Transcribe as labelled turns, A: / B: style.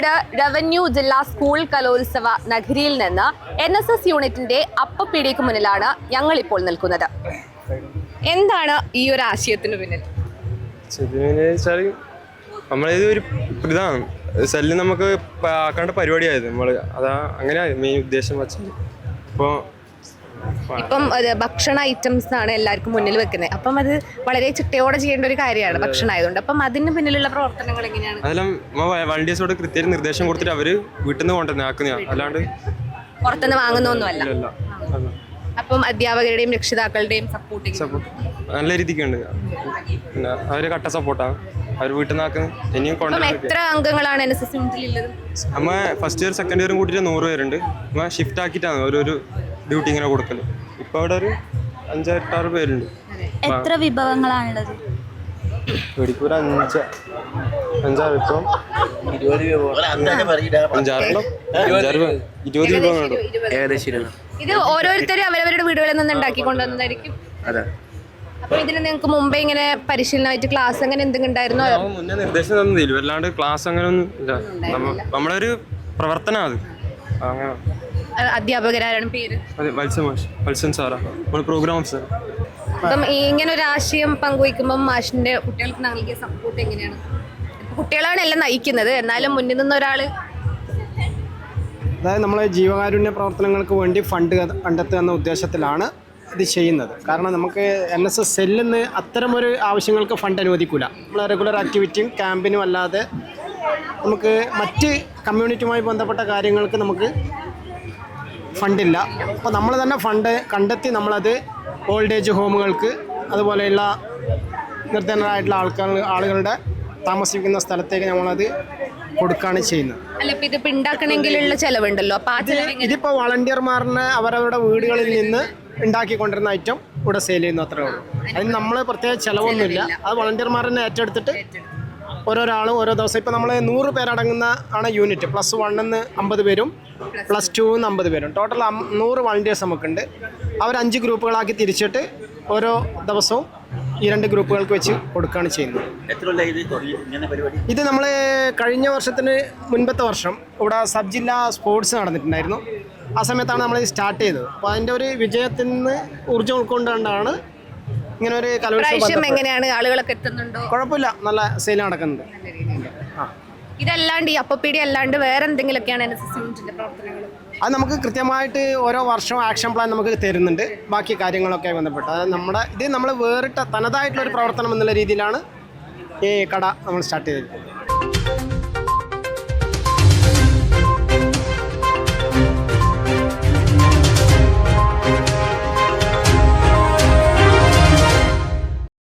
A: Kozhikode revenue ജില്ലാ school കലോത്സവ നഗരിയിൽ നിന്ന് NSS യൂണിറ്റിന്റെ അപ്പപ്പീടിക്ക് മുന്നിലാണ് ഞങ്ങളിപ്പോൾ നിൽക്കുന്നത്. എന്താണ് ഈ ഒരു ആശയത്തിന് പിന്നിൽ?
B: നമ്മളിത് ഒരു ഇതാണ് സെല്ല് നമുക്ക് ആക്കേണ്ട പരിപാടിയായത്. നമ്മൾ അതാ അങ്ങനെയാണ് മെയിൻ ഉദ്ദേശം വെച്ചത്.
A: ഇപ്പം ഭക്ഷണ ഐറ്റംസ് ആണ് എല്ലാവർക്കും മുന്നിൽ വെക്കുന്നത്. അപ്പം അത് വളരെ ചിട്ടയോടെ ചെയ്യേണ്ട ഒരു കാര്യമാണ് ഭക്ഷണം ആയതുകൊണ്ട്. അപ്പം അതിന് പിന്നിലുള്ള പ്രവർത്തനങ്ങൾ എങ്ങനെയാണ്?
B: അതെല്ലാം വളണ്ടിയേഴ്സോട് കൃത്യം നിർദ്ദേശം കൊടുത്തിട്ട് അവര് വീട്ടിൽ നിന്ന് കൊണ്ടുവന്ന് ആക്കുന്നതാണ്, അല്ലാണ്ട്
A: പുറത്തുനിന്ന് വാങ്ങുന്നൊന്നുമല്ല. അപ്പം അധ്യാപകരുടെയും രക്ഷിതാക്കളുടെയും സപ്പോർട്ട്
B: നല്ല രീതിക്കുണ്ട്. പിന്നെ അവര് കട്ട സപ്പോർട്ടാണ്. അവർ വീട്ടിൽ നിന്ന് ആക്കുന്നത്. ഇനിയും
A: എത്ര അംഗങ്ങളാണ് NSS യൂണിറ്റിലുള്ളത്?
B: നമ്മ ഫസ്റ്റ് ഇയർ സെക്കൻഡ് ഇയറും കൂട്ടിയിട്ട് 100 പേരുണ്ട്. നമ്മ ഷിഫ്റ്റ് ആക്കിയിട്ടാണ് ഓരോരു ഡ്യൂട്ടി ഇങ്ങനെ കൊടുക്കല്. ഇപ്പൊ അവിടെ ഒരു 5-6 പേരുണ്ട്.
C: എത്ര വിഭവങ്ങളാണുള്ളത്?
B: ഒരു 5-6 ഇപ്പം 20 വിഭവങ്ങളുണ്ട് ഏകദേശം.
A: ഇത് ഓരോരുത്തരും അവരവരുടെ വീടുകളിൽ നിന്ന് ഉണ്ടാക്കി കൊണ്ടുവന്നതായിരിക്കും. അപ്പൊ ഇതിന് നിങ്ങൾക്ക് മുമ്പേ ഇങ്ങനെ പരിശീലനമായിട്ട് ക്ലാസ് അങ്ങനെ എന്തെങ്കിലും ഉണ്ടായിരുന്നോ?
B: മുന്നേ നിർദ്ദേശം തന്നില്ല, അല്ലാണ്ട് ക്ലാസ് അങ്ങനെ ഒന്നും ഇല്ല. നമ്മളൊരു പ്രവർത്തനം അത്. അങ്ങനെ
A: അധ്യാപകരാണ് പേര്?
B: വത്സൻ സാറാ, പ്രോഗ്രാം ഓഫീസർ.
A: അപ്പം ഇങ്ങനെ ഒരു ആശയം പങ്കുവയ്ക്കുമ്പോൾ മാഷിന്റെ കുട്ടികൾക്ക് നൽകിയ സപ്പോർട്ട് എങ്ങനെയാണ്? കുട്ടികളാണ് എല്ലാം നയിക്കുന്നത്, എന്നാലും മുന്നിൽ നിന്ന് ഒരാള്
D: അതായത് നമ്മളെ ജീവകാരുണ്യ പ്രവർത്തനങ്ങൾക്ക് വേണ്ടി ഫണ്ട് കണ്ടെത്തുക എന്ന ഉദ്ദേശത്തിലാണ് ഇത് ചെയ്യുന്നത്. കാരണം നമുക്ക് NSS സെല്ലിൽ നിന്ന് അത്തരമൊരു ആവശ്യങ്ങൾക്ക് ഫണ്ട് അനുവദിക്കില്ല. നമ്മൾ റെഗുലർ ആക്ടിവിറ്റിയും ക്യാമ്പിനും അല്ലാതെ നമുക്ക് മറ്റ് കമ്മ്യൂണിറ്റിയുമായി ബന്ധപ്പെട്ട കാര്യങ്ങൾക്ക് നമുക്ക് ഫണ്ടില്ല. അപ്പോൾ നമ്മൾ തന്നെ ഫണ്ട് കണ്ടെത്തി നമ്മളത് ഓൾഡ് ഏജ് ഹോമുകൾക്ക്, അതുപോലെയുള്ള നിർധനരായിട്ടുള്ള ആളുകളുടെ താമസിക്കുന്ന സ്ഥലത്തേക്ക് നമ്മളത് കൊടുക്കുകയാണ് ചെയ്യുന്നത്. ഇതിപ്പോൾ വളണ്ടിയർമാറിന് അവരവരുടെ വീടുകളിൽ നിന്ന് ഉണ്ടാക്കിക്കൊണ്ടിരുന്ന ഐറ്റം ഇവിടെ സെയിൽ ചെയ്യുന്നു, അത്രേ ഉള്ളൂ. അതിന് നമ്മൾ പ്രത്യേക ചിലവൊന്നുമില്ല. അത് വളണ്ടിയർമാരെന്നെ ഏറ്റെടുത്തിട്ട് ഓരോരാളും ഓരോ ദിവസം ഇപ്പോൾ നമ്മൾ 100 പേരടങ്ങുന്ന ആണ് യൂണിറ്റ്. +1 50 പേരും +2 50 പേരും, ടോട്ടൽ 100 വളണ്ടിയേഴ്സ് നമുക്കുണ്ട്. അവർ 5 ഗ്രൂപ്പുകളാക്കി തിരിച്ചിട്ട് ഓരോ ദിവസവും ഈ 2 ഗ്രൂപ്പുകൾക്ക് വെച്ച് കൊടുക്കുകയാണ് ചെയ്യുന്നത്. ഇത് നമ്മൾ കഴിഞ്ഞ വർഷത്തിന് മുൻപത്തെ വർഷം ഇവിടെ സബ് ജില്ലാ സ്പോർട്സ് നടന്നിട്ടുണ്ടായിരുന്നു. ആ സമയത്താണ് നമ്മൾ സ്റ്റാർട്ട് ചെയ്തത്. അപ്പോൾ അതിൻ്റെ ഒരു വിജയത്തിൽ നിന്ന് ഊർജ്ജം ഉൾക്കൊണ്ടുകൊണ്ടാണ് ഇങ്ങനെ ഒരു കലോത്സവം.
A: എങ്ങനെയാണ് ആളുകളൊക്കെ എത്തുന്നുണ്ടോ?
D: കുഴപ്പമില്ല, നല്ല സെയിൽ നടക്കുന്നുണ്ട്.
A: ഇതല്ലാണ്ട് ഈ അപ്പപ്പീടി അല്ലാണ്ട് വേറെ എന്തെങ്കിലുമൊക്കെയാണ് NSS യൂണിറ്റിന്റെ പ്രവർത്തനങ്ങൾ?
D: അത് നമുക്ക് കൃത്യമായിട്ട് ഓരോ വർഷവും ആക്ഷൻ പ്ലാൻ നമുക്ക് തരുന്നുണ്ട്, ബാക്കി കാര്യങ്ങളൊക്കെ ബന്ധപ്പെട്ട്. അതായത് നമ്മൾ വേറിട്ട തനതായിട്ടുള്ളൊരു പ്രവർത്തനം എന്നുള്ള രീതിയിലാണ് ഈ കട നമ്മൾ സ്റ്റാർട്ട് ചെയ്തത്.